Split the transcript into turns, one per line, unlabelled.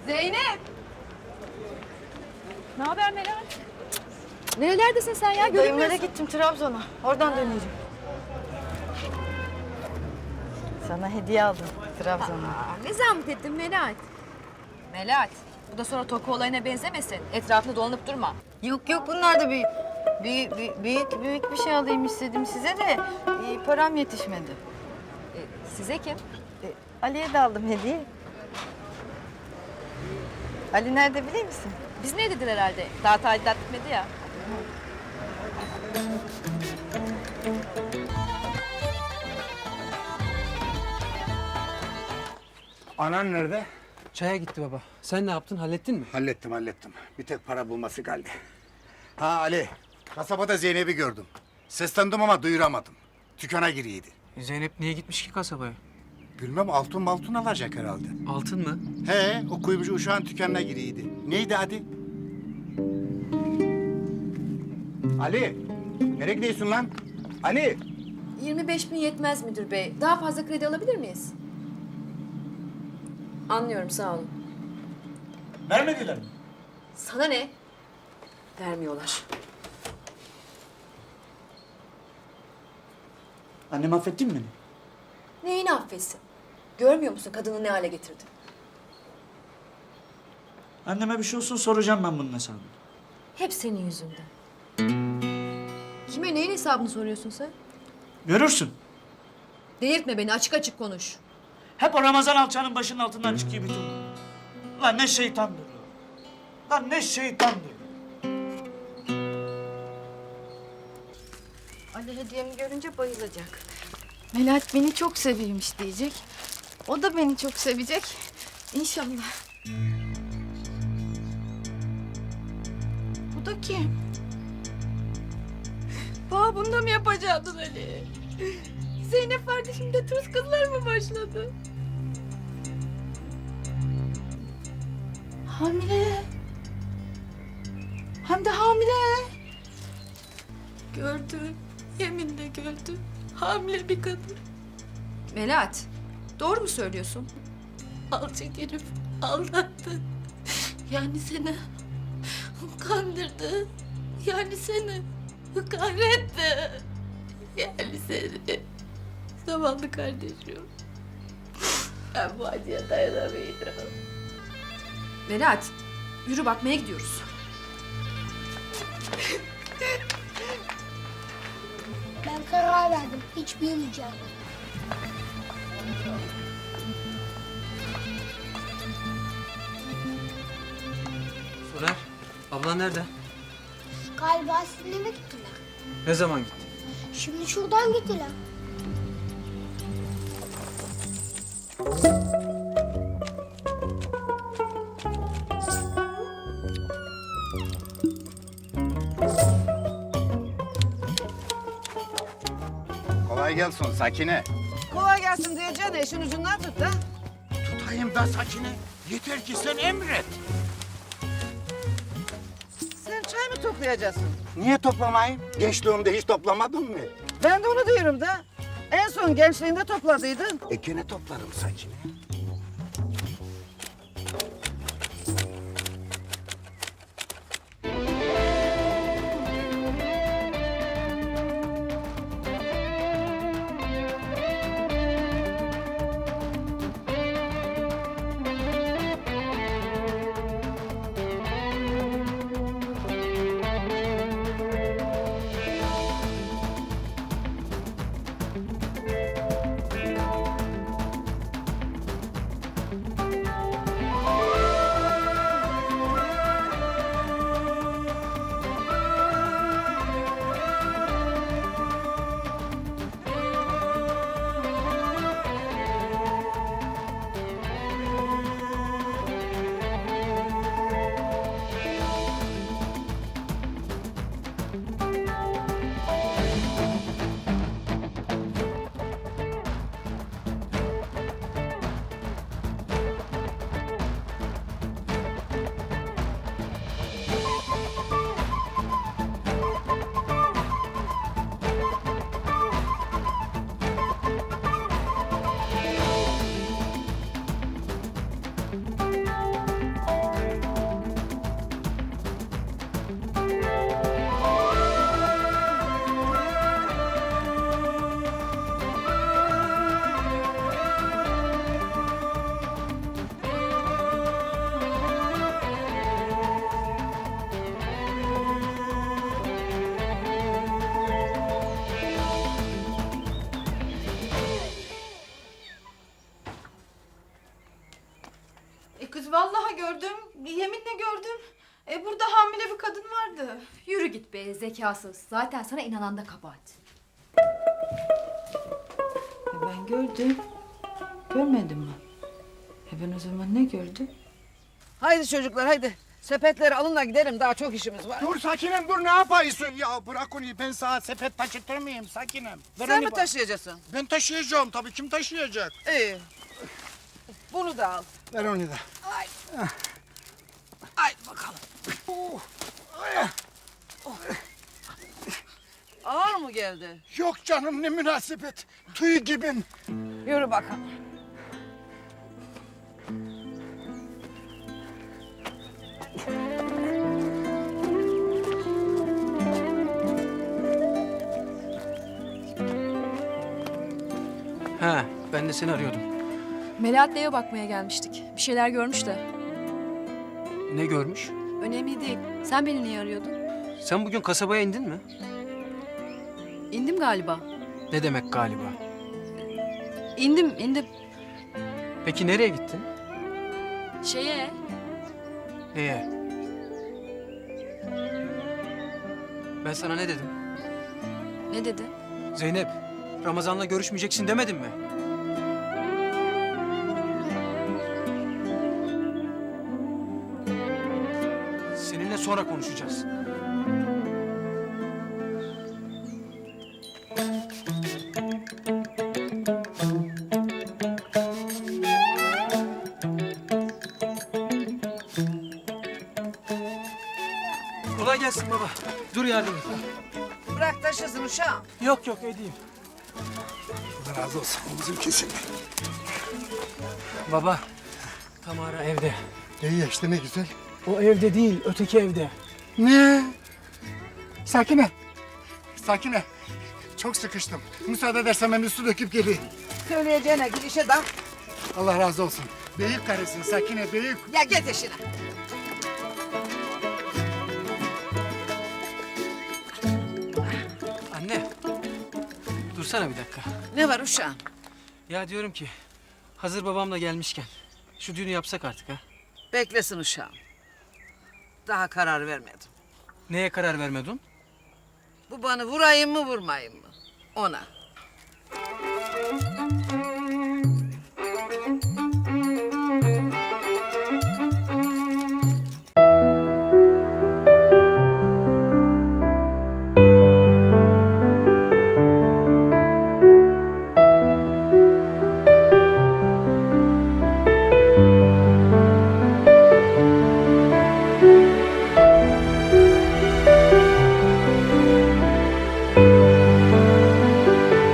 Zeynep! Ne haber Meral? Nerelerdesin sen ya?
Dayımlara
Görünmüyorsun.
gittim Trabzon'a. Oradan döneceğim. Sana hediye aldım Trabzon'a.
Ne zahmet ettin Melahat? Melahat, bu da sonra Toku olayına benzemesin. Etrafında dolanıp durma.
Yok yok bunlar da büyük bir şey alayım istedim size de param yetişmedi.
Size kim?
Ali'ye de aldım hediye. Ali nerede biliyor musun?
Biz ne dediler herhalde? Daha tadilat bitmedi ya.
Anan nerede?
Çaya gitti baba. Sen ne yaptın? Hallettin mi?
Hallettim. Bir tek para bulması kaldı. Ha Ali, kasabada Zeynep'i gördüm. Seslendim ama duyuramadım. Dükkana giriydi.
Zeynep niye gitmiş ki kasabaya?
Bilmem altın alacak herhalde.
Altın mı?
He, o kuyumcu uşağın dükkanına giriydi. Neydi adı? Ali, nereye gidiyorsun lan? Ali!
25.000 yetmez müdür bey. Daha fazla kredi alabilir miyiz? Anlıyorum, sağ olun.
Vermediler mi?
Sana ne? Vermiyorlar.
Annem affettin mi beni?
Neyini affetsin? Görmüyor musun kadını ne hale getirdi?
Anneme bir şey olsun soracağım ben bunun hesabını.
Hep senin yüzünden. Kime neyin hesabını soruyorsun sen?
Görürsün.
Delirtme beni, açık açık konuş.
Hep o Ramazan alçanın başının altından çıkıyor bütün bunlar. Lan ne şeytandır o. Lan ne şeytandır.
Ali hediyemi görünce bayılacak. Melahat beni çok seviyormuş diyecek. O da beni çok sevecek. İnşallah. Bu da kim? Bana bunu da mı yapacaktın Ali? Zeynep kardeşimde tuz kızlar mı başladı? Hamile. Hem de hamile. Gördüm. Yeminle gördüm. Hamile bir kadın.
Melahat, doğru mu söylüyorsun?
Alçak herif aldattı. Yani seni kandırdı. Yani seni kahretti. Yani seni. Zavallı kardeşim. Ben bu acıya dayanamıyorum.
Melahat, yürü bakmaya gidiyoruz.
Ben karar verdim. Hiç büyümeyeceğim.
Soner, ablan nerede?
Galiba sizinle gittiler.
Ne zaman gitti?
Şimdi şuradan gittiler.
Kolay gelsin Sakine.
Kolay gelsin diyeceğine işin ucundan tut da.
Tutayım da Sakine. Yeter ki sen emret.
Sen çay mı toplayacaksın?
Niye toplamayayım? Gençliğimde hiç toplamadın mı?
Ben de onu diyorum da. En son gençliğinde topladıydın.
Gene toplarım Sakine.
Kız vallahi gördüm. Yeminle gördüm. Burada hamile bir kadın vardı.
Yürü git be zekasız. Zaten sana inanan da kabahat.
Ben gördüm. Görmedim mi? Ben o zaman ne gördüm?
Haydi çocuklar haydi. Sepetleri alın da gidelim. Daha çok işimiz var.
Dur Sakinem dur ne yapıyorsun? Ya bırak onu ben sana sepet taşıtır mıyım Sakinem? Ver
Sen
onu
mi
bana.
taşıyacaksın?
Ben taşıyacağım tabii kim taşıyacak?
İyi. Bunu da al.
Ver onu da.
Haydi bakalım. Ağır mı geldi?
Yok canım ne münasebet. Tüy gibin.
Yürü bakalım.
Ha, ben de seni arıyordum.
Melahat'le eve bakmaya gelmiştik. Bir şeyler görmüş de.
Ne görmüş?
Önemli değil. Sen beni niye arıyordun?
Sen bugün kasabaya indin mi?
İndim galiba.
Ne demek galiba?
İndim.
Peki nereye gittin?
Şeye,
Neye? Ben sana ne dedim?
ne dedi?
Zeynep, Ramazan'la görüşmeyeceksin demedim mi? Seninle sonra konuşacağız. Kolay gelsin baba. Dur yardım et.
Bırak taşısın uşağım.
Yok edeyim.
Allah razı olsun omuzum kesildi.
Baba, Tamara evde.
İyi ya işte ne güzel.
O evde değil, öteki evde.
Ne? Sakine. Sakine. Çok sıkıştım. Müsaade edersen ben bir su döküp geleyim.
Söyleyeceğine git işe dal.
Allah razı olsun. Büyük karısın Sakine büyük.
Ya git işine.
Anne, dursana bir dakika.
Ne var uşağım?
Ya diyorum ki, hazır babam da gelmişken şu düğünü yapsak artık ha.
Beklesin uşağım. Daha karar vermedim.
Neye karar vermedin?
Bu bana vurayım mı vurmayayım mı? Ona.